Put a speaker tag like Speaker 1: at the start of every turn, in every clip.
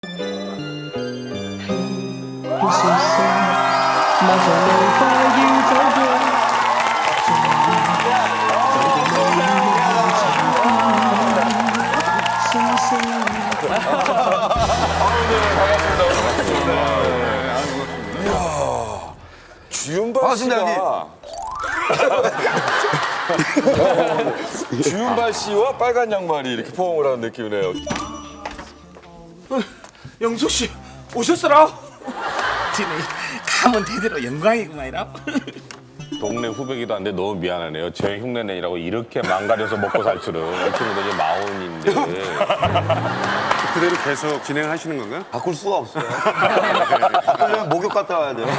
Speaker 1: 주윤발 씨가 주윤발 씨와 빨간 양말이 이렇게 포옹을 하는 느낌이네요.
Speaker 2: 영숙 씨 오셨어라. 지금 가면 대대로 영광이구만이라.
Speaker 3: 동네 후배기도 한데 너무 미안하네요. 제 흉내내느라고 이렇게 망가져서 먹고 살 줄은. 이 친구도 이제 마흔인데.
Speaker 4: 그대로 계속 진행하시는 건가요?
Speaker 5: 바꿀 수가 없어요. 바꾸려면 목욕 갔다 와야 돼요.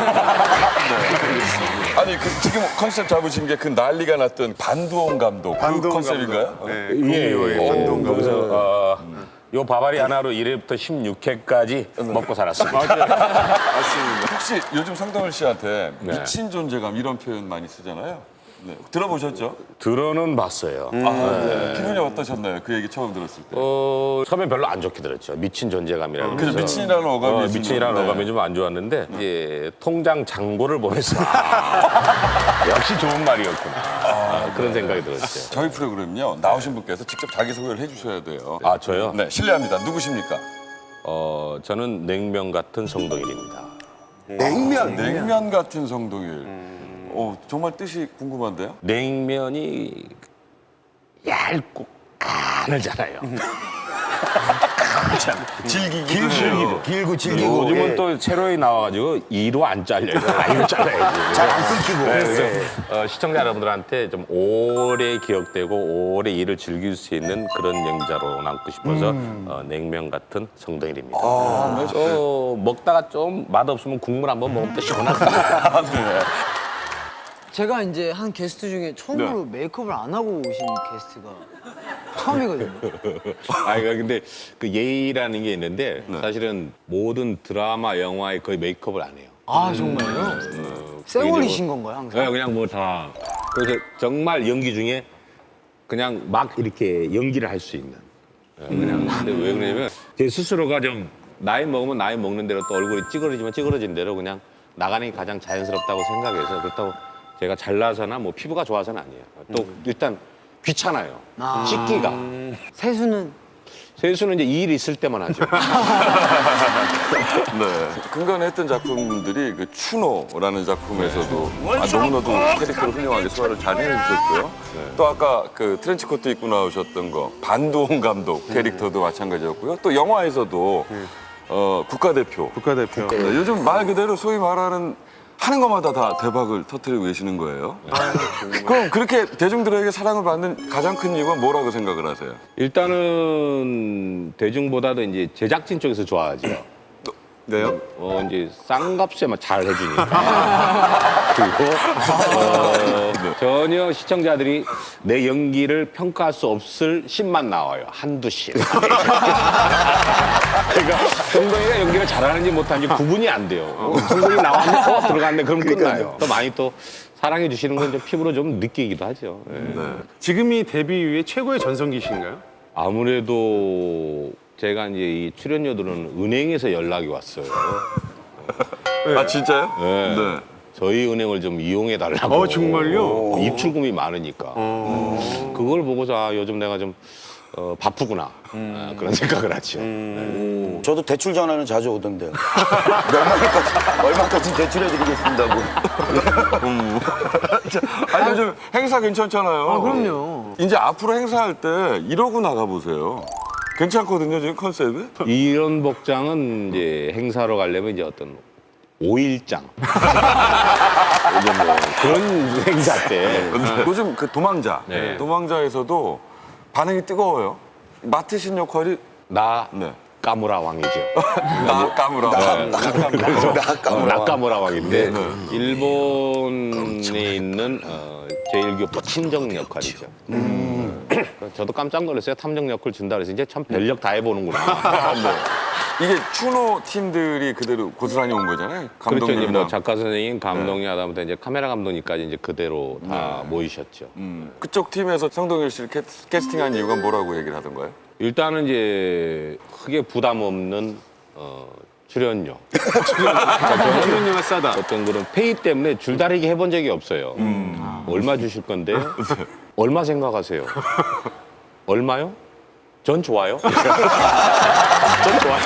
Speaker 1: 아니 지금 컨셉 잡으신 게 그 난리가 났던 반두홍 감독 그 컨셉인가요?
Speaker 4: 네,
Speaker 3: 예.
Speaker 4: 반동 감독.
Speaker 3: 그래서 요 바바리 하나로 1회부터 16회까지 먹고 살았습니다.
Speaker 4: 맞습니다.
Speaker 1: 혹시 요즘 성동일 씨한테
Speaker 3: 네.
Speaker 1: 미친 존재감 이런 표현 많이 쓰잖아요. 네. 들어보셨죠?
Speaker 3: 들어는 봤어요.
Speaker 1: 네. 기분이 어떠셨나요? 그 얘기 처음 들었을 때.
Speaker 3: 처음엔 별로 안 좋게 들었죠. 미친 존재감이라고.
Speaker 1: 그죠, 미친이라는 어감이 좀-
Speaker 3: 미친이라는
Speaker 1: 네.
Speaker 3: 어감이 좀 안 좋았는데 이제 통장 잔고를 보면서 역시 좋은 말이었구나. 그런 생각이 들었죠.
Speaker 1: 저희 프로그램요 나오신 분께서 직접 자기소개를 해주셔야 돼요.
Speaker 3: 아 저요?
Speaker 1: 네, 실례합니다. 누구십니까?
Speaker 3: 저는 냉면 같은 성동일입니다.
Speaker 5: 냉면.
Speaker 1: 냉면 같은 성동일. 정말 뜻이 궁금한데요?
Speaker 3: 냉면이 얇고 가늘잖아요.
Speaker 5: 길고 질기고.
Speaker 3: 요즘은
Speaker 5: 예.
Speaker 3: 또 새로이 나와가지고 이로 안 잘려요. 이로 잘라야지.
Speaker 5: 잘 안 끊기고.
Speaker 3: 그래서 시청자 여러분들한테 좀 오래 기억되고 오래 일을 즐길 수 있는 그런 영자로 남고 싶어서 냉면 같은 성동일입니다. 먹다가 좀 맛없으면 국물 한번 먹으면 또 시원하거든요.
Speaker 6: 제가 이제 한 게스트 중에 처음으로 메이크업을 안 하고 오신 게스트가 처음이거든요.
Speaker 3: 근데 그 예의라는 게 있는데 사실은 모든 드라마, 영화에 거의 메이크업을 안 해요.
Speaker 6: 아 정말요? 쌩얼이신 건가요 항상?
Speaker 3: 네, 그냥 뭐 다. 그래서 정말 연기 중에 그냥 막 이렇게 연기를 할 수 있는. 그냥 근데 왜 그러냐면 제 스스로가 좀 나이 먹으면 나이 먹는 대로 또 얼굴이 찌그러지면 찌그러진 대로 그냥 나가는 게 가장 자연스럽다고 생각해서 그렇다고 제가 잘나서나 뭐 피부가 좋아서는 아니에요. 또 일단 귀찮아요. 씻기가.
Speaker 6: 세수는
Speaker 3: 세수는 이제 일 있을 때만 하죠.
Speaker 1: 네. 근간에 했던 작품들이 그 추노라는 작품에서도 너무나도 캐릭터를 훌륭하게 소화를 잘 해주셨고요. 또 아까 그 트렌치코트 입고 나오셨던 거 반두홍 감독 캐릭터도 마찬가지였고요. 또 영화에서도 국가대표.
Speaker 4: 국가대표.
Speaker 1: 네, 요즘 말 그대로 소위 말하는 하는 것마다 다 대박을 터뜨리고 계시는 거예요. 그럼 그렇게 대중들에게 사랑을 받는 가장 큰 이유가 뭐라고 생각을 하세요?
Speaker 3: 일단은 대중보다도 이제 제작진 쪽에서 좋아하죠.
Speaker 4: 네요?
Speaker 3: 이제 싼값에 잘 해주니까. 그리고 전혀 시청자들이 내 연기를 평가할 수 없을 씬만 나와요. 한두 씬. 그러니까 정동이가 연기를 잘하는지 못하는지 구분이 안 돼요. 성동이 나왔는데 들어갔네 그럼 끝나요. 또 많이 또 사랑해 주시는 건 좀 피부로 좀 느끼기도 하죠. 예.
Speaker 4: 지금이 데뷔 이후에 최고의 전성기신가요?
Speaker 3: 아무래도 제가 이제 이 출연료들은 은행에서 연락이 왔어요.
Speaker 1: 아 진짜요?
Speaker 3: 네.
Speaker 1: 네.
Speaker 3: 저희 은행을 좀 이용해 달라고.
Speaker 4: 정말요?
Speaker 3: 입출금이 많으니까. 그걸 보고서 요즘 내가 좀 바쁘구나. 그런 생각을 하죠.
Speaker 5: 저도 대출 전화는 자주 오던데요. 얼마까지 대출해드리겠습니다고.
Speaker 1: 아니 요즘 행사 괜찮잖아요.
Speaker 6: 아 그럼요.
Speaker 1: 이제 앞으로 행사할 때 이러고 나가보세요. 괜찮거든요, 지금 컨셉이.
Speaker 3: 이런 복장은 이제 행사로 가려면 이제 어떤 5일장. 이제 뭐 그런 행사 때.
Speaker 1: 요즘 그 도망자.
Speaker 3: 네.
Speaker 1: 도망자에서도 반응이 뜨거워요. 맡으신 역할이
Speaker 3: 나
Speaker 1: 네.
Speaker 3: 까무라 왕이죠.
Speaker 1: 나까무라.
Speaker 3: 나까무라 왕인데 일본에 있는 제1교포 친정 역할이죠. 저도 깜짝 놀랐어요. 탐정 역할 준다 그래서 이제 참 별력 다 해보는구나.
Speaker 1: 이게 추노 팀들이 그대로 고스란히 온 거잖아요.
Speaker 3: 그렇죠. 이제
Speaker 1: 감독님이나.
Speaker 3: 뭐 작가 선생님, 감독님 하다못해 이제 카메라 감독님까지 이제 그대로 다 모이셨죠.
Speaker 1: 그쪽 팀에서 성동일 씨를 캐스팅한 이유가 뭐라고 얘기를 하던가요?
Speaker 3: 일단은 이제 크게 부담 없는 출연료.
Speaker 4: 출연료가 싸다.
Speaker 3: 어떤 그런 페이 때문에 줄다리기 해본 적이 없어요. 얼마 주실 건데? 얼마 생각하세요? 얼마요? 전 좋아요. 전 좋아요.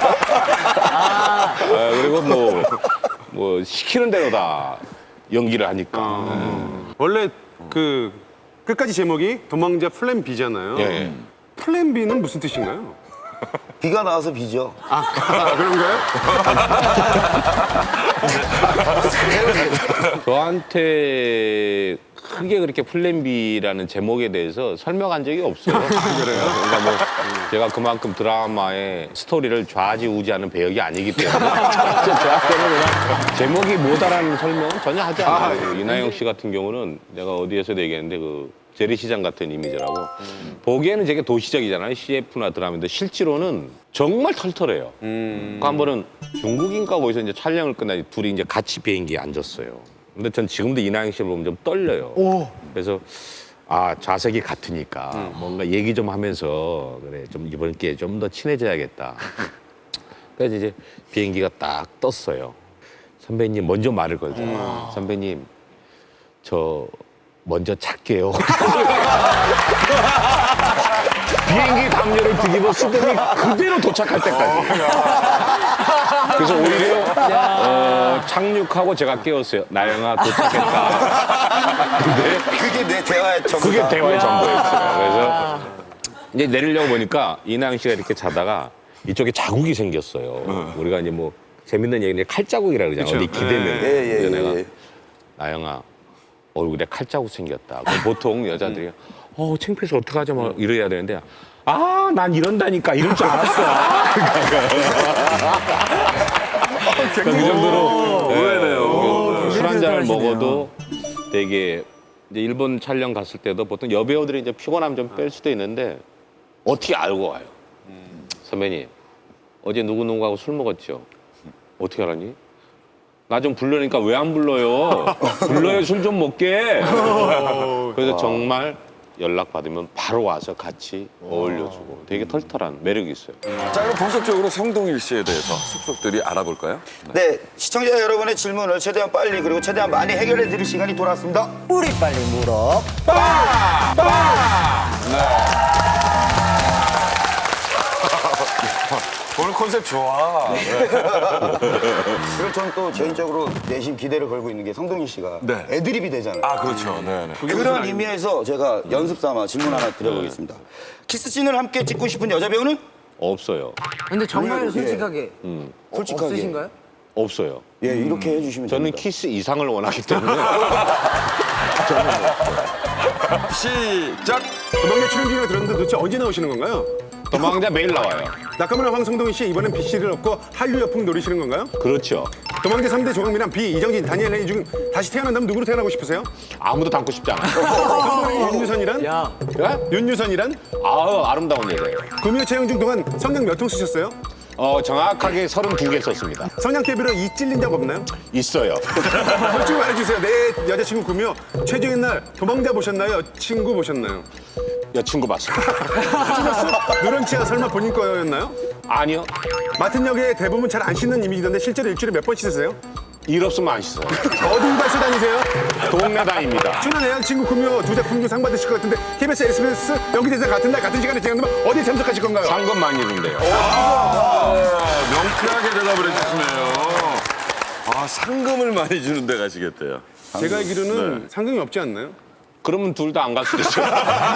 Speaker 3: 그리고 뭐 시키는 대로 다 연기를 하니까.
Speaker 4: 원래 그 끝까지 제목이 도망자 플랜 B잖아요.
Speaker 3: 예.
Speaker 4: 플랜 B는 무슨 뜻인가요?
Speaker 5: 비가 나와서 비죠.
Speaker 4: 그런가요?
Speaker 3: 저한테 크게 그렇게 플랜 B라는 제목에 대해서 설명한 적이 없어요. 그러니까 뭐 제가 그만큼 드라마의 스토리를 좌지우지하는 배역이 아니기 때문에 저한테는 그냥 제목이 뭐다라는 설명은 전혀 하지 않아요. 이나영 씨 같은 경우는 내가 어디에서도 얘기했는데 그 재래시장 같은 이미지라고 보기에는 되게 도시적이잖아요. CF나 드라마인데 실제로는 정말 털털해요. 그 한 번은 중국인가 어디서 이제 촬영을 끝나니 둘이 이제 같이 비행기에 앉았어요. 근데 전 지금도 이나영 씨를 보면 좀 떨려요. 그래서 좌석이 같으니까 뭔가 얘기 좀 하면서 그래 좀 이번 기회에 좀 더 친해져야겠다. 그래서 이제 비행기가 딱 떴어요. 선배님 먼저 말을 걸죠. 선배님 저 먼저 잘게요. 비행기 담요를 뒤집어 쓰더니 그대로 도착할 때까지. 그래서 오히려 착륙하고 제가 깨웠어요. 나영아 도착했다. 근데
Speaker 5: 그게 내 대화의 전부다.
Speaker 3: 그게 대화의 전부였어요. 그래서 이제 내리려고 보니까 이나영 씨가 이렇게 자다가 이쪽에 자국이 생겼어요. 우리가 이제 뭐 재밌는 얘기인데 칼자국이라 그러잖아요. 어디 기대면. 그래서 내가 나영아 얼굴에 칼자국 생겼다. 그럼 보통 여자들이 창피해서 어떡하죠? 막 이래야 되는데 난 이런다니까 이럴 줄 알았어. 그 정도로 의외네요. 술 한 잔을 먹어도 되게 이제 일본 촬영 갔을 때도 보통 여배우들이 이제 피곤하면 좀 뺄 수도 있는데 어떻게 알고 와요? 선배님 어제 누구누구하고 술 먹었죠? 어떻게 알았니? 나 좀 불러니까 왜 안 불러요? 불러요 술 좀 먹게. 그래서 정말 연락 받으면 바로 와서 같이 어울려주고 되게 털털한 매력이 있어요.
Speaker 1: 자, 그럼 본격적으로 성동일 씨에 대해서 속속들이 알아볼까요?
Speaker 5: 네, 시청자 여러분의 질문을 최대한 빨리 그리고 최대한 많이 해결해 드릴 시간이 돌아왔습니다.
Speaker 6: 우리 빨리 물어.
Speaker 1: 오늘 컨셉 좋아.
Speaker 5: 그리고 저는 또 개인적으로 내심 기대를 걸고 있는 게 성동일 씨가
Speaker 1: 네.
Speaker 5: 애드립이 되잖아요.
Speaker 1: 그렇죠. 네.
Speaker 5: 그런 의미에서 제가 연습 삼아 질문 하나 드려보겠습니다. 키스씬을 함께 찍고 싶은 여자 배우는?
Speaker 3: 없어요.
Speaker 6: 근데 정말 솔직하게
Speaker 5: 솔직하게.
Speaker 6: 없으신가요?
Speaker 3: 없어요.
Speaker 5: 예, 이렇게 해주시면
Speaker 3: 저는
Speaker 5: 됩니다.
Speaker 3: 키스 이상을 원하기 때문에
Speaker 1: 시작.
Speaker 4: 도망자 출연 중이라고 들었는데 도대체 언제 나오시는 건가요?
Speaker 3: 도망자 매일 나와요.
Speaker 4: 낙하문의 황성동희 씨 이번엔 BC를 얻고 한류 여풍 노리시는 건가요?
Speaker 3: 그렇죠.
Speaker 4: 도망자 3대 조강미남 B, 이정진, 다니엘 레이 중 다시 태어난다면 누구로 태어나고 싶으세요?
Speaker 3: 아무도 닮고 싶지 않아요.
Speaker 4: 윤유선이란?
Speaker 6: 야,
Speaker 4: 윤유선이란?
Speaker 3: 아름다운 여자예요.
Speaker 4: 구미호 채용 중 동안 성냥 몇 통 쓰셨어요?
Speaker 3: 정확하게 32개 썼습니다.
Speaker 4: 성냥 대비로 이 찔린 적 없나요?
Speaker 3: 있어요.
Speaker 4: 솔직히 말해주세요. 내 여자친구 구미호 최종의 날 도망자 보셨나요? 친구 보셨나요?
Speaker 3: 여친구 봤습니다.
Speaker 4: 누런치가 설마 본인 거였나요?
Speaker 3: 아니요.
Speaker 4: 맡은 역에 대부분 잘 안 씻는 이미지던데 실제로 일주일에 몇 번 씻으세요?
Speaker 3: 일 없으면 안 씻어요.
Speaker 4: 어디 발서 다니세요?
Speaker 3: 동네 다닙니다.
Speaker 4: 출연 애여친구 구미호 두 작품 중 상 받으실 것 같은데 KBS, SBS 연기대상 같은 날 같은 시간에 진행되면 어디 참석하실 건가요?
Speaker 3: 상금 많이 주는데요.
Speaker 1: 명쾌하게 대답을 해주시네요. 상금을 많이 주는 데 가시겠대요.
Speaker 4: 제가 알기로는 상금이 없지 않나요?
Speaker 3: 그러면 둘 다 안 갈 수도 있어요.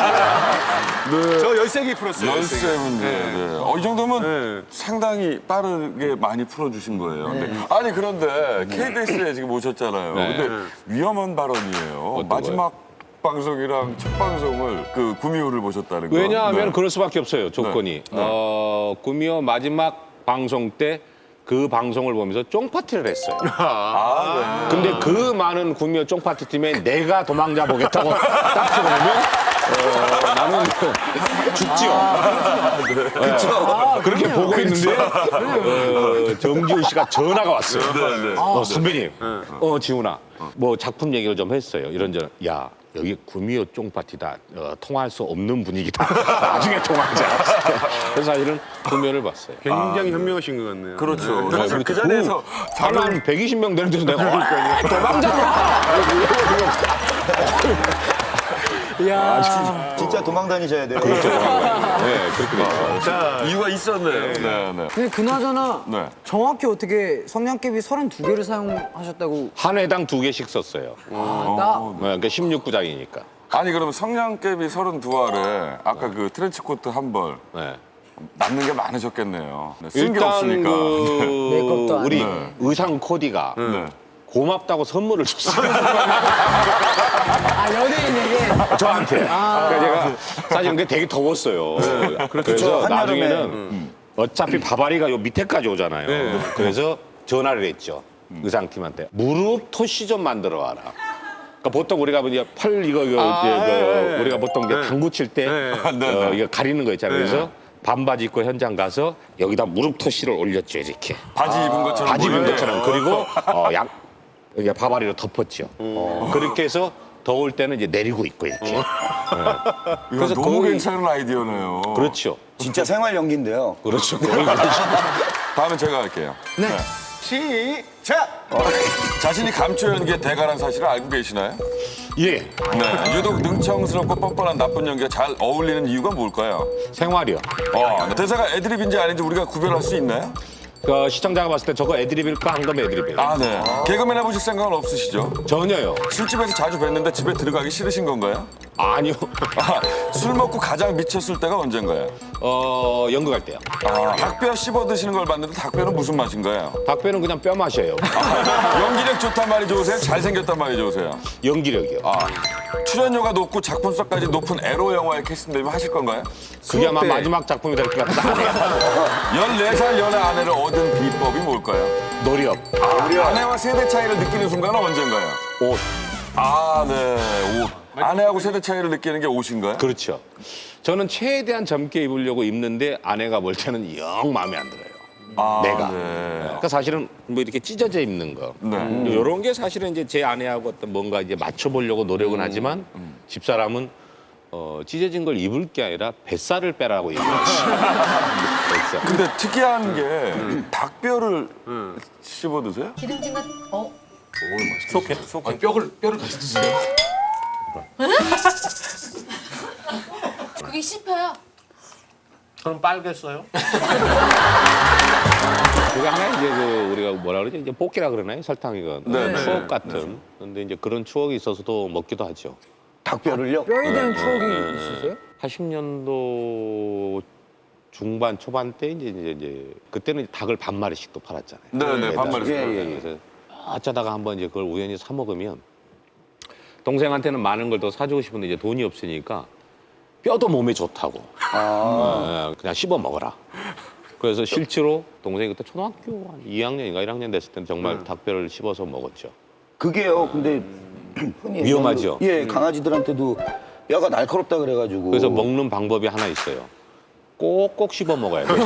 Speaker 4: 저 13개 풀었어요.
Speaker 1: 연세 문제. 네. 이 정도면 상당히 빠르게 많이 풀어주신 거예요. 아니, 그런데 KBS에 지금 오셨잖아요.
Speaker 3: 네.
Speaker 1: 근데 위험한 발언이에요.
Speaker 3: 어떤
Speaker 1: 마지막 방송이랑 첫 방송을 그 구미호를 보셨다는 거.
Speaker 3: 왜냐하면
Speaker 1: 네.
Speaker 3: 그럴 수밖에 없어요. 조건이. 구미호 마지막 방송 때 그 방송을 보면서 쫑파티를 했어요. 근데 그 많은 구미호 쫑파티 팀에 내가 도망자 보겠다고 딱 들어오면 나는 죽지요. 그렇죠. 그렇게 보고 있는데 정지훈 씨가 전화가 왔어요. 선배님, 지훈아, 뭐 작품 얘기를 좀 했어요. 이런저런. 야, 여기 구미호 쫑파티다. 통화할 수 없는 분위기다. 나중에 통화하자. 그래서 사실은 구미호를 봤어요.
Speaker 4: 굉장히 현명하신 것 같네요.
Speaker 1: 그렇죠.
Speaker 3: 네,
Speaker 1: 사실 그 자리에서
Speaker 3: 사람 한 120명 되는 데서 내가 도망자라.
Speaker 5: 진짜 도망 다니셔야 돼요.
Speaker 3: 네, 그렇게 됐죠.
Speaker 1: 이유가 있었네요. 네, 네.
Speaker 6: 근데 그나저나
Speaker 1: 네.
Speaker 6: 정확히 어떻게 성냥개비 32개를 사용하셨다고
Speaker 3: 한 회당 2개씩 썼어요.
Speaker 6: 나
Speaker 3: 그러니까 16구장이니까.
Speaker 1: 아니 그러면 성냥개비 32알에 아까 그 트렌치코트 한 벌
Speaker 3: 네.
Speaker 1: 남는 게 많으셨겠네요. 네, 쓴 게
Speaker 3: 일단
Speaker 1: 없으니까.
Speaker 6: 메이크업도 안
Speaker 3: 우리
Speaker 1: 네.
Speaker 3: 의상 코디가
Speaker 1: 네.
Speaker 3: 고맙다고 선물을 줬어요.
Speaker 6: 아 연예인에게
Speaker 3: 저한테. 그러니까 제가 사실 그게 되게 더웠어요. 그래서
Speaker 5: 한여름에.
Speaker 3: 나중에는 어차피 바바리가 요 밑에까지 오잖아요. 그래서 전화를 했죠. 의상팀한테. 무릎 토시 좀 만들어 와라. 그러니까 보통 우리가 이제 팔 이거 우리가 보통 이제 당구 칠 때 이거 가리는 거 있잖아요. 그래서 반바지 입고 현장 가서 여기다 무릎 토시를 올렸죠 이렇게.
Speaker 1: 바지 입은 것처럼.
Speaker 3: 바지 입은
Speaker 1: 보여요.
Speaker 3: 것처럼. 그리고 여기 바바리로 덮었죠. 그렇게 해서 더울 때는 이제 내리고 있고 이렇게.
Speaker 1: 그래서 너무
Speaker 3: 거의-
Speaker 1: 괜찮은 아이디어네요.
Speaker 3: 그렇죠.
Speaker 5: 진짜 생활 연기인데요.
Speaker 3: 그렇죠. 거의 그렇죠.
Speaker 1: 다음엔 제가 할게요.
Speaker 6: 네.
Speaker 4: 시작!
Speaker 1: 자신이 감초 연기의 대가란 사실을 알고 계시나요?
Speaker 3: 예.
Speaker 1: 네. 유독 능청스럽고 뻔뻔한 나쁜 연기가 잘 어울리는 이유가 뭘까요?
Speaker 3: 생활이요.
Speaker 1: 대사가 애드립인지 아닌지 우리가 구별할 수 있나요?
Speaker 3: 그 시청자가 봤을 때 저거 애드립일까 한 거면 애드립이에요.
Speaker 1: 아, 네. 개그맨 해보실 생각은 없으시죠?
Speaker 3: 전혀요.
Speaker 1: 술집에서 자주 뵀는데 집에 들어가기 싫으신 건가요?
Speaker 3: 아니요.
Speaker 1: 술 먹고 가장 미쳤을 때가 언젠가요?
Speaker 3: 연극할 때요.
Speaker 1: 닭뼈 씹어 드시는 걸 봤는데 닭뼈는 무슨 맛인가요?
Speaker 3: 닭배는 그냥 뼈 맛이에요.
Speaker 1: 연기력 좋단 말이 좋으세요? 잘생겼단 말이 좋으세요?
Speaker 3: 연기력이요.
Speaker 1: 출연료가 높고 작품성까지 높은 에로 영화에 캐스팅되면 하실 건가요?
Speaker 3: 그게 아마
Speaker 1: 수업 때
Speaker 3: 마지막 작품이 될 것 같다.
Speaker 1: 14살 연애 아내를 얻은 비법이 뭘까요?
Speaker 3: 노력.
Speaker 1: 아내와 세대 차이를 느끼는 순간은 언젠가요?
Speaker 3: 옷.
Speaker 1: 네, 옷. 아내하고 세대 차이를 느끼는 게 옷인가요?
Speaker 3: 그렇죠. 저는 최대한 젊게 입으려고 입는데 아내가 볼 때는 영 마음에 안 들어요. 내가.
Speaker 1: 네.
Speaker 3: 그러니까 사실은 뭐 이렇게 찢어져 입는 거.
Speaker 1: 네.
Speaker 3: 이런 게 사실은 이제 제 아내하고 어떤 뭔가 이제 맞춰보려고 노력은 하지만 집사람은 찢어진 걸 입을 게 아니라 뱃살을 빼라고 얘기하지. 뱃살.
Speaker 1: 근데 특이한 게 닭뼈를 씹어 드세요?
Speaker 7: 기름진 것,
Speaker 2: 뼈를 같이 드세요.
Speaker 7: 그게 씹혀요.
Speaker 2: 저는 빨겠어요.
Speaker 3: 그게 하나 이제 그 우리가 뭐라 그러지? 이제 볶기라 그러나요? 설탕이건
Speaker 1: 네, 네.
Speaker 3: 추억 같은. 근데 이제 그런 추억이 있어서도 먹기도 하죠.
Speaker 5: 닭뼈를요?
Speaker 6: 뼈에 대한 추억이 있으세요?
Speaker 3: 80년도 중반 초반 때 이제 그때는 닭을 반 마리씩 또 팔았잖아요.
Speaker 1: 네, 반 마리씩.
Speaker 3: 그래서 어쩌다가 한번 이제 그걸 우연히 사 먹으면 동생한테는 많은 걸 더 사주고 싶은데 이제 돈이 없으니까 뼈도 몸에 좋다고. 그냥 씹어 먹어라. 그래서 실제로 동생이 그때 초등학교 한 2학년인가 1학년 됐을 때는 정말 닭뼈를 씹어서 먹었죠.
Speaker 5: 그게요. 근데 흔히
Speaker 3: 위험하죠?
Speaker 5: 예, 강아지들한테도 뼈가 날카롭다 그래가지고.
Speaker 3: 그래서 먹는 방법이 하나 있어요. 꼭꼭 씹어 먹어야 돼요.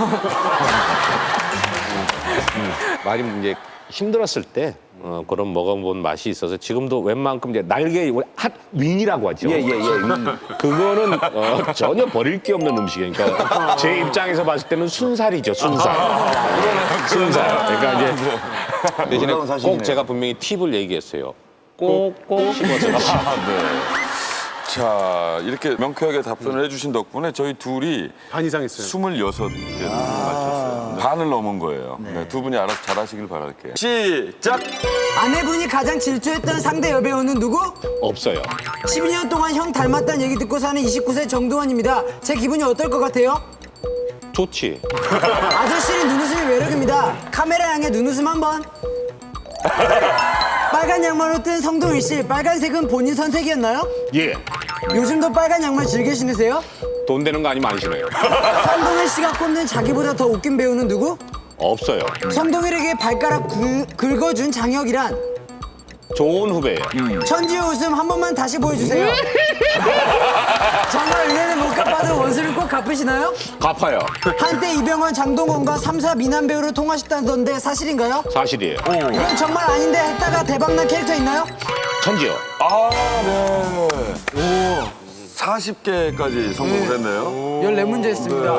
Speaker 3: 많이 이제 힘들었을 때 그런 먹어본 맛이 있어서 지금도 웬만큼 이제 날개 핫 윙이라고 하죠.
Speaker 5: 예.
Speaker 3: 그거는 전혀 버릴 게 없는 음식이니까 제 입장에서 봤을 때는 순살이죠, 순살. 순살. 그러니까 이제 대신에
Speaker 5: 놀라운 사실이네요.
Speaker 3: 꼭 제가 분명히 팁을 얘기했어요. 꼭꼭 씹어서.
Speaker 1: 자, 이렇게 명쾌하게 답변을 해주신 덕분에 저희 둘이
Speaker 4: 반 이상 했어요.
Speaker 1: 26개 맞췄어요. 반을 넘은 거예요. 네, 두 분이 알아서 잘하시길 바랄게요. 시작!
Speaker 6: 아내분이 가장 질투했던 상대 여배우는 누구?
Speaker 3: 없어요.
Speaker 6: 12년 동안 형 닮았다는 얘기 듣고 사는 29세 정두환입니다. 제 기분이 어떨 것 같아요?
Speaker 3: 좋지.
Speaker 6: 아저씨는 눈웃음이 매력입니다. 카메라 향해 눈웃음 한번. 빨간 양말로 뜬 성동일 씨, 빨간색은 본인 선택이었나요?
Speaker 3: 예.
Speaker 6: 요즘도 빨간 양말 즐겨 신으세요?
Speaker 3: 돈 되는 거 아니면 안 신어요.
Speaker 6: 성동일 씨가 꼽는 자기보다 더 웃긴 배우는 누구?
Speaker 3: 없어요.
Speaker 6: 성동일에게 발가락 긁어준 장혁이란?
Speaker 3: 좋은 후배예요.
Speaker 6: 천지 웃음 한 번만 다시 보여주세요. 정말 은혜는 못 갚아도 원수를 꼭 갚으시나요?
Speaker 3: 갚아요.
Speaker 6: 한때 이병헌, 장동건과 3사 미남 배우를 통하셨다던데 사실인가요?
Speaker 3: 사실이에요.
Speaker 6: 이건 정말 아닌데 했다가 대박난 캐릭터 있나요?
Speaker 3: 천지요.
Speaker 1: 아, 네. 40개까지 성공을 했네요.
Speaker 6: 14문제 했습니다.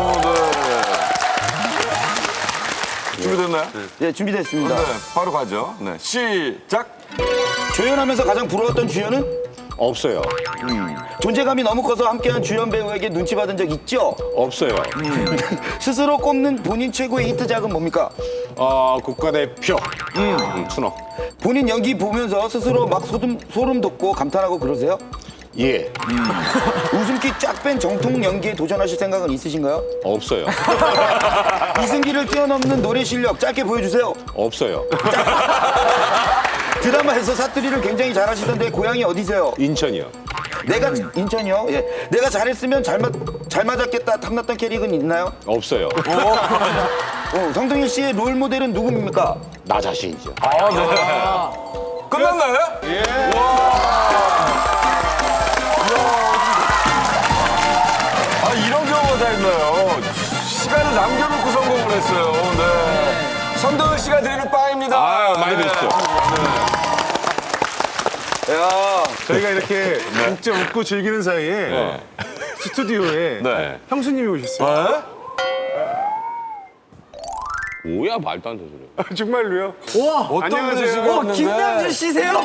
Speaker 1: 준비됐나요?
Speaker 5: 예, 준비됐습니다.
Speaker 1: 네, 바로 가죠. 네, 시작.
Speaker 5: 조연하면서 가장 부러웠던 주연은?
Speaker 3: 없어요.
Speaker 5: 존재감이 너무 커서 함께한 주연 배우에게 눈치 받은 적 있죠?
Speaker 3: 없어요.
Speaker 5: 스스로 꼽는 본인 최고의 히트작은 뭡니까?
Speaker 3: 국가대표. 추노.
Speaker 5: 본인 연기 보면서 스스로 막 소름 돋고 감탄하고 그러세요?
Speaker 3: 예.
Speaker 5: 웃음기 쫙 뺀 정통 연기에 도전하실 생각은 있으신가요?
Speaker 3: 없어요.
Speaker 5: 이승기를 뛰어넘는 노래 실력 짧게 보여주세요.
Speaker 3: 없어요.
Speaker 5: 드라마에서 사투리를 굉장히 잘하시던데 고향이 어디세요?
Speaker 3: 인천이요.
Speaker 5: 내가 인천이요? 예. 내가 잘했으면 잘 맞았겠다 탐났던 캐릭은 있나요?
Speaker 3: 없어요.
Speaker 5: 성동일 씨의 롤 모델은 누굽니까?
Speaker 3: 나 자신이죠.
Speaker 1: 끝났나요? 예. 아, 이런 경우가 다 있나요? 시간을 남겨놓고 성공을 했어요. 네. 성동일 씨가 드리는 빵입니다.
Speaker 3: 아, 많이 드시죠.
Speaker 1: 야,
Speaker 4: 저희가 이렇게 진짜 웃고 즐기는 사이에 스튜디오에
Speaker 1: 네.
Speaker 4: 형수님이 오셨어요.
Speaker 3: 뭐야, 말도 안 되는 소리.
Speaker 4: 정말로요?
Speaker 6: 우와!
Speaker 1: 어떤
Speaker 4: 안녕하세요.
Speaker 1: 분이시가 왔는데?
Speaker 6: 김남주 씨세요?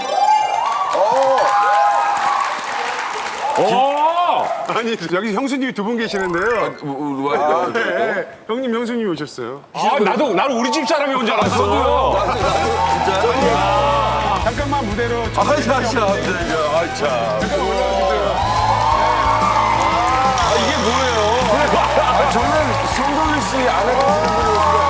Speaker 4: 아니 여기 형수님이 두 분 계시는데요. 네, 형님 형수님이 오셨어요.
Speaker 3: 나는 우리 집 사람이 온 줄 알았어.
Speaker 4: 잠깐만 무대로
Speaker 1: 아이, 참.
Speaker 4: 잠깐 올라와주세요.
Speaker 1: 이게 뭐예요? 아, 저는 성동일 씨 아내가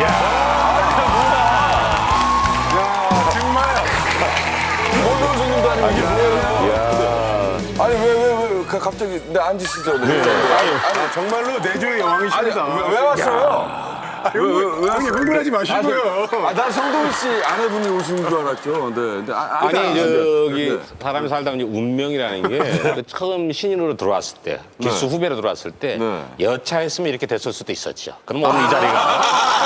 Speaker 4: 정말
Speaker 1: 모든 손님도 아니고 이게 뭐예요? 아니, 왜, 갑자기, 네, 앉으시죠. 네.
Speaker 4: 아니, 정말로 내조의 여왕이십니다.
Speaker 1: 왜 왔어요?
Speaker 4: 형님 흥분하지 마시고요.
Speaker 1: 난 성동일 씨 아내분이 오신 줄 알았죠. 네. 근데
Speaker 3: 아니 저기 사람이 살다 보니 운명이라는 게 처음 신인으로 들어왔을 때 기수 후배로 들어왔을 때
Speaker 1: 네.
Speaker 3: 여차했으면 이렇게 됐을 수도 있었죠. 그럼 오늘 이 자리가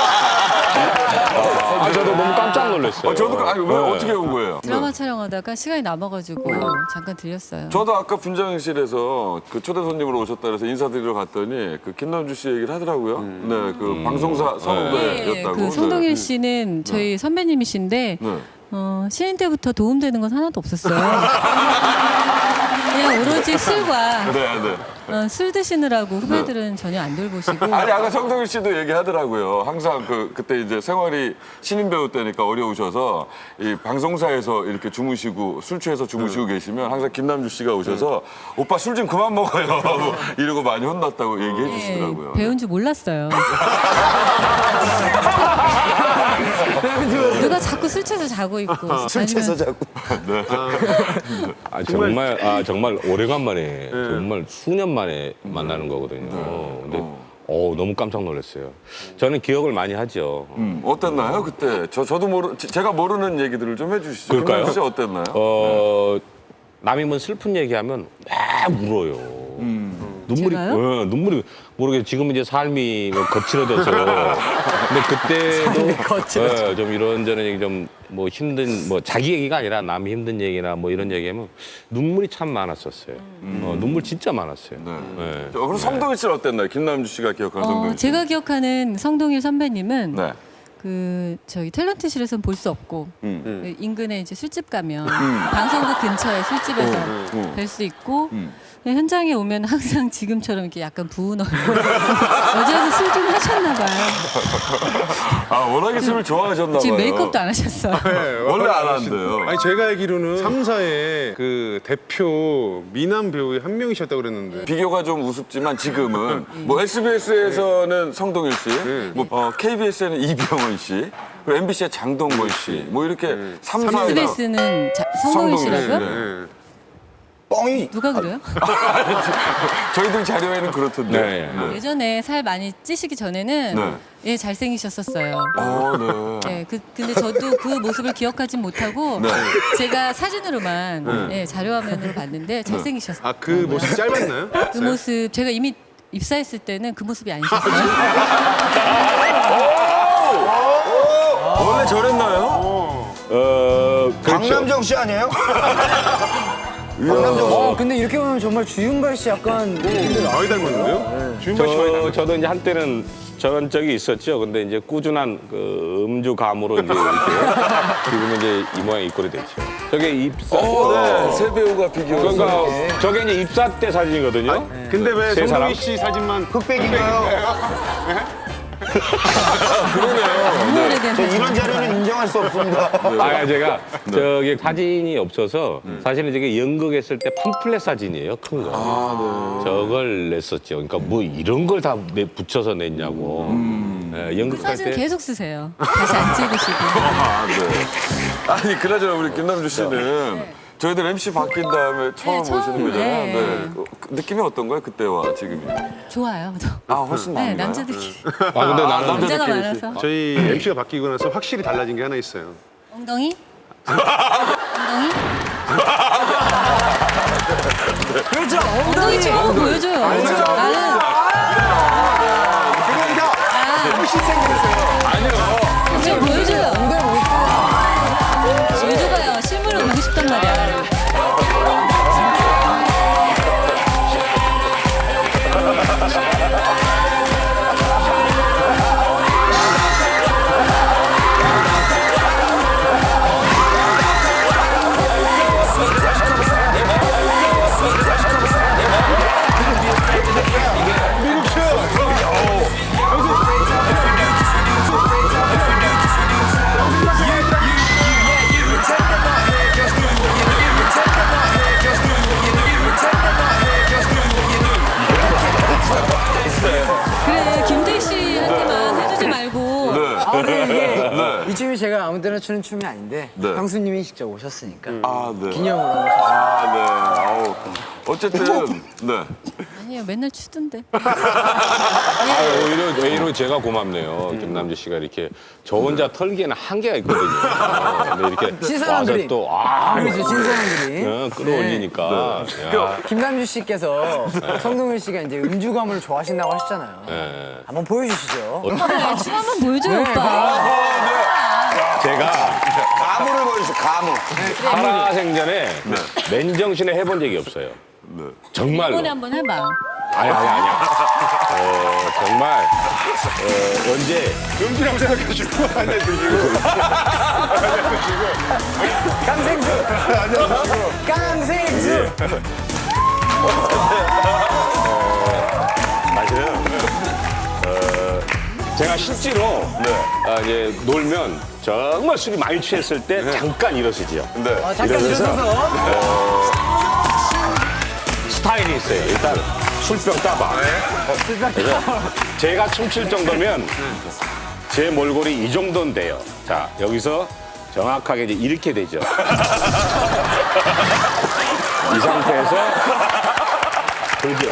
Speaker 3: 저도 너무 깜짝 놀랐어요.
Speaker 1: 저도 아니 왜 어떻게 온 거예요?
Speaker 7: 드라마 촬영하다가 시간이 남아가지고 잠깐 들렸어요.
Speaker 1: 저도 아까 분장실에서 그 초대 손님으로 오셨다 그래서 인사드리러 갔더니 그 김남주 씨 얘기를 하더라고요. 네, 그 방송사 선후배였다고.
Speaker 7: 그 성동일 씨는 저희 선배님이신데
Speaker 1: 네.
Speaker 7: 신인 때부터 도움되는 건 하나도 없었어요. 그냥 오로지 술과
Speaker 1: 네.
Speaker 7: 술 드시느라고 후배들은 전혀 안 돌보시고.
Speaker 1: 아니 아까 성동일 씨도 얘기하더라고요. 항상 그때 이제 생활이 신인 배우 때니까 어려우셔서 이 방송사에서 이렇게 주무시고 술 취해서 주무시고 계시면 항상 김남주 씨가 오셔서 오빠 술 좀 그만 먹어요 이러고 많이 혼났다고 얘기해 주시더라고요.
Speaker 7: 배운 줄 몰랐어요. 누가 자꾸 술 취해서 자고 있고.
Speaker 5: 술 취해서 자고.
Speaker 3: 정말 오래간만에 정말 수년 만에 만나는 거거든요. 근데 너무 깜짝 놀랐어요. 저는 기억을 많이 하죠.
Speaker 1: 어땠나요 그때? 저도 제가 모르는 얘기들을 좀 해주시죠.
Speaker 3: 그럴까요?
Speaker 1: 김남주 씨 어땠나요?
Speaker 3: 남이 뭐 슬픈 얘기하면 막 울어요. 눈물이
Speaker 7: 제가요?
Speaker 3: 눈물이 모르게 지금 이제 삶이 뭐 거칠어져서 근데 그때도 좀 이런저런 얘기 좀 뭐 힘든 뭐 자기 얘기가 아니라 남 힘든 얘기나 뭐 이런 얘기하면 눈물이 참 많았었어요. 눈물 진짜 많았어요. 네.
Speaker 1: 그럼 성동일 씨는 어땠나요? 김남주 씨가 기억하는 성동일 씨.
Speaker 7: 제가 기억하는 성동일 선배님은
Speaker 1: 네.
Speaker 7: 그 저희 탤런트실에서는 볼 수 없고 그 인근에 이제 술집 가면 방송국 근처에 술집에서 뵐 수 있고 현장에 오면 항상 지금처럼 이렇게 약간 부은 얼굴 어제도 술 좀 하셨나 봐요.
Speaker 1: 아 워낙에 술을 좋아하셨나 봐요.
Speaker 7: 지금 메이크업도 안 하셨어요.
Speaker 1: 원래 안 한대요.
Speaker 4: 아니 제가 알기로는 3사의 그 대표 미남 배우의 한 명이셨다고 그랬는데
Speaker 1: 비교가 좀 우습지만 지금은 뭐 SBS에서는 성동일 씨, 뭐 KBS에는 이병헌 씨, 그리고 MBC의 장동건 씨, 뭐 이렇게 3사가
Speaker 7: SBS는 성동일 씨라고요?
Speaker 1: 네.
Speaker 5: 뻥이
Speaker 7: 누가 그래요?
Speaker 1: 저희들 자료에는 그렇던데.
Speaker 3: 네.
Speaker 7: 예전에 살 많이 찌시기 전에는
Speaker 1: 네.
Speaker 7: 예 잘생기셨었어요.
Speaker 1: 네.
Speaker 7: 네, 근데 저도 그 모습을 기억하진 못하고
Speaker 1: 네.
Speaker 7: 제가 사진으로만 예, 자료화면으로 봤는데 잘생기셨어요.
Speaker 4: 아, 그 모습 짧았나요?
Speaker 7: 그 모습 제가 이미 입사했을 때는 그 모습이 아니셨어요.
Speaker 1: 원래 저랬나요?
Speaker 5: 강남정 씨 아니에요? 강남정 씨.
Speaker 6: 근데 이렇게 보면 정말 주윤발 씨 약간
Speaker 4: 많이 닮았는데요? 주윤발 씨 많이 닮았어요.
Speaker 3: 저도 이제 한때는 저런 적이 있었죠. 근데 이제 꾸준한 그 음주감으로 이제 이렇게 지금은 이제 이 모양 이 꼴이 됐죠. 저게 입사.
Speaker 1: 네. 새 배우가 비교해서.
Speaker 3: 그러니까 저게 이제 입사 때 사진이거든요.
Speaker 4: 근데 왜
Speaker 3: 세 사람?
Speaker 4: 송동희 씨 사진만
Speaker 5: 흑백인가요?
Speaker 7: 너무 오래된
Speaker 5: 저
Speaker 7: 사진.
Speaker 5: 이런 자료는 인정할 수 없습니다.
Speaker 3: 아, 제가 저기 사진이 없어서 사실은 저게 연극했을 때 팜플렛 사진이에요, 큰 거. 저걸 냈었죠. 그러니까 뭐 이런 걸 다 붙여서 냈냐고. 네,
Speaker 7: 그
Speaker 3: 연극할
Speaker 7: 사진
Speaker 3: 때.
Speaker 7: 계속 쓰세요. 다시 안 찍으시고.
Speaker 1: 아, 네. 아니, 그나저나 우리 김남주 씨는 저희들 MC 바뀐 다음에 처음
Speaker 7: 네, 처음,
Speaker 1: 오시는 거잖아요.
Speaker 7: 네.
Speaker 1: 네. 그 느낌이 어떤가요? 그때와 지금이?
Speaker 7: 좋아요.
Speaker 1: 아, 훨씬
Speaker 7: 네,
Speaker 1: 나은가요?
Speaker 7: 남자들끼리.
Speaker 3: 아, 근데 나는
Speaker 7: 남자가 많아서.
Speaker 4: 저희 MC가 바뀌고 나서 확실히 달라진 게 하나 있어요.
Speaker 7: 엉덩이? 엉덩이?
Speaker 6: 그렇죠.
Speaker 7: 엉덩이 찍어 보여줘요. 나는
Speaker 6: 훨씬 생겼어요.
Speaker 7: 좀 보여줘요. 보여줘봐요. 실물을 보고 싶단 말이야. 그래, 김대희 씨한테만 해주지 말고.
Speaker 6: 근데 이게 이 춤이 제가 아무 때나 추는 춤이 아닌데
Speaker 1: 네.
Speaker 6: 형수님이 직접 오셨으니까
Speaker 1: 아, 네.
Speaker 6: 기념으로 오셨어요.
Speaker 1: 아, 네. 아우. 어쨌든, 네.
Speaker 7: 아니에요, 맨날 추던데.
Speaker 3: 오히려 제가 고맙네요. 김남주 씨가 이렇게 저 혼자 털기에는 한계가 있거든요. 근데 이렇게
Speaker 6: 신사람들이.
Speaker 3: 와서 또, 아,
Speaker 6: 그렇죠, 신사람들이.
Speaker 3: 끌어올리니까. 야.
Speaker 6: 김남주 씨께서 성동일 씨가 이제 음주감을 좋아하신다고 하셨잖아요.
Speaker 3: 네.
Speaker 6: 한번 보여주시죠.
Speaker 7: 그래, 춤 한번 보여줘요, 오빠.
Speaker 3: 제가
Speaker 5: 가무를 보여주세요, 가무.
Speaker 3: 살아생전에 맨정신에 해본 적이 없어요. 정말로.
Speaker 7: 이번에 한번 해봐.
Speaker 3: 아니야. 정말 언제
Speaker 4: 음주라고 생각하시고 한잔 드시고
Speaker 6: 깡생수! 깡생수!
Speaker 3: 사실은 제가 실제로 이제 놀면 정말 술이 많이 취했을 때 잠깐 일어서지요.
Speaker 1: 네.
Speaker 6: 잠깐 일어서서
Speaker 3: 스타일이 있어요. 일단 술병 따봐. 그래서 제가 춤출 정도면 제 몰골이 이 정도는 돼요. 자, 여기서 정확하게 이제 이렇게 되죠. 이 상태에서 돌죠.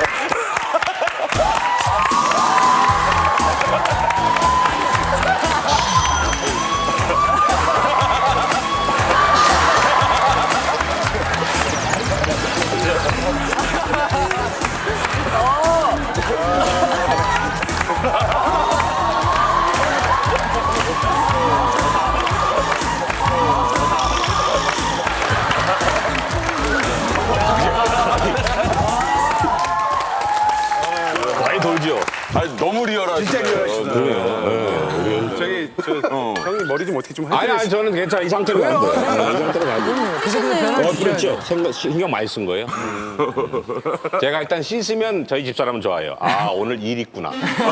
Speaker 3: 많이 돌죠.
Speaker 1: 아니, 너무 리얼하시네. 진짜 리얼하시다.
Speaker 4: 저기 형님 머리 좀 어떻게 좀
Speaker 3: 아니,
Speaker 4: 해주세요.
Speaker 3: 저는 괜찮아. 이 상태로 갈 거예요. 이 상태로 갈 거예요.
Speaker 6: 하셨네요.
Speaker 3: 그렇죠. 신경 많이 쓴 거예요. 제가 일단 씻으면 저희 집사람은 좋아요. 아, 오늘 일 있구나.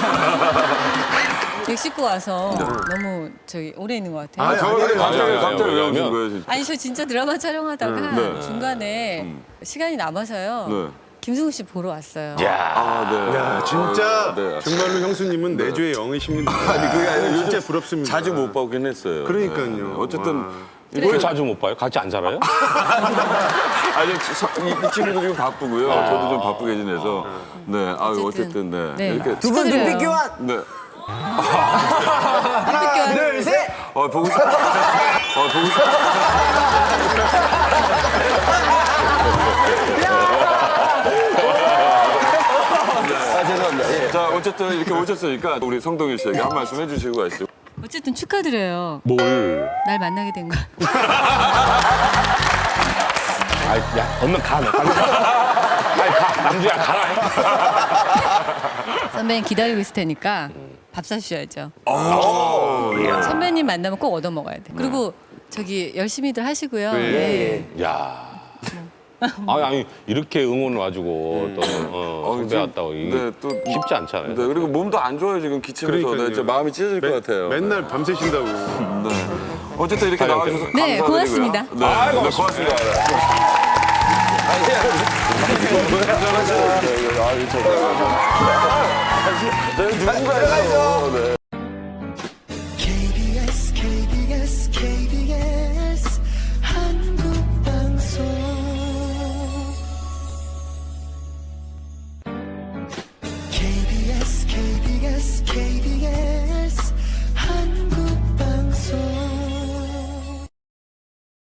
Speaker 7: 멕시코 와서 너무 오래 있는 것 같아요.
Speaker 1: 갑자기 왜 오신
Speaker 3: 왜냐면
Speaker 1: 거예요, 진짜?
Speaker 7: 아니, 저 진짜 드라마 촬영하다가 중간에 시간이 남아서요.
Speaker 1: 네.
Speaker 7: 김승우 씨 보러 왔어요.
Speaker 1: 아, 네.
Speaker 4: 야, 진짜
Speaker 1: 네.
Speaker 4: 정말로 형수님은 내조의 영이십니다.
Speaker 1: 아니, 그게 아니라
Speaker 4: 진짜
Speaker 1: 요즘
Speaker 4: 부럽습니다.
Speaker 1: 자주 못 보긴 했어요.
Speaker 4: 그러니까요.
Speaker 1: 네. 어쨌든
Speaker 3: 왜 자주 못 봐요? 같이 안 살아요?
Speaker 1: 아니, 이 친구도 지금 바쁘고요. 저도 좀 바쁘게 지내서. 네, 어쨌든, 네.
Speaker 7: 네.
Speaker 1: 이렇게.
Speaker 6: 두 분
Speaker 7: 축하드려요.
Speaker 6: 눈빛 교환.
Speaker 1: 네.
Speaker 7: 하나,
Speaker 6: 둘, 셋.
Speaker 1: 보고 싶다. 보고 싶다.
Speaker 5: 아, 죄송합니다. 예.
Speaker 1: 자, 어쨌든 이렇게 오셨으니까 우리 성동일 씨에게 한 말씀 해주시고 가시죠.
Speaker 7: 어쨌든 축하드려요.
Speaker 3: 뭘?
Speaker 7: 날 만나게 된 거.
Speaker 3: 아, 야, 얼른 가, 너. 빨리 가. 남주야, 가라.
Speaker 7: 선배님 기다리고 있을 테니까 밥 사주셔야죠. 선배님 만나면 꼭 얻어 먹어야 돼. 그리고 저기 열심히들 하시고요. 네.
Speaker 3: 야. 아니, 이렇게 응원을 와주고, 또, 선배 왔다고. 이게
Speaker 1: 네, 또
Speaker 3: 쉽지 않잖아요.
Speaker 1: 네, 그리고 몸도 안 좋아요 지금 기침해서.
Speaker 4: 그러니까요.
Speaker 1: 네, 진짜 마음이 찢어질 것 같아요.
Speaker 4: 맨날 밤새신다고.
Speaker 1: 네. 어쨌든 이렇게 나와주셔서
Speaker 7: 네,
Speaker 1: 감사드리고요.
Speaker 7: 고맙습니다.
Speaker 1: 네, 네, 고맙습니다. 네, 누군가요? 네.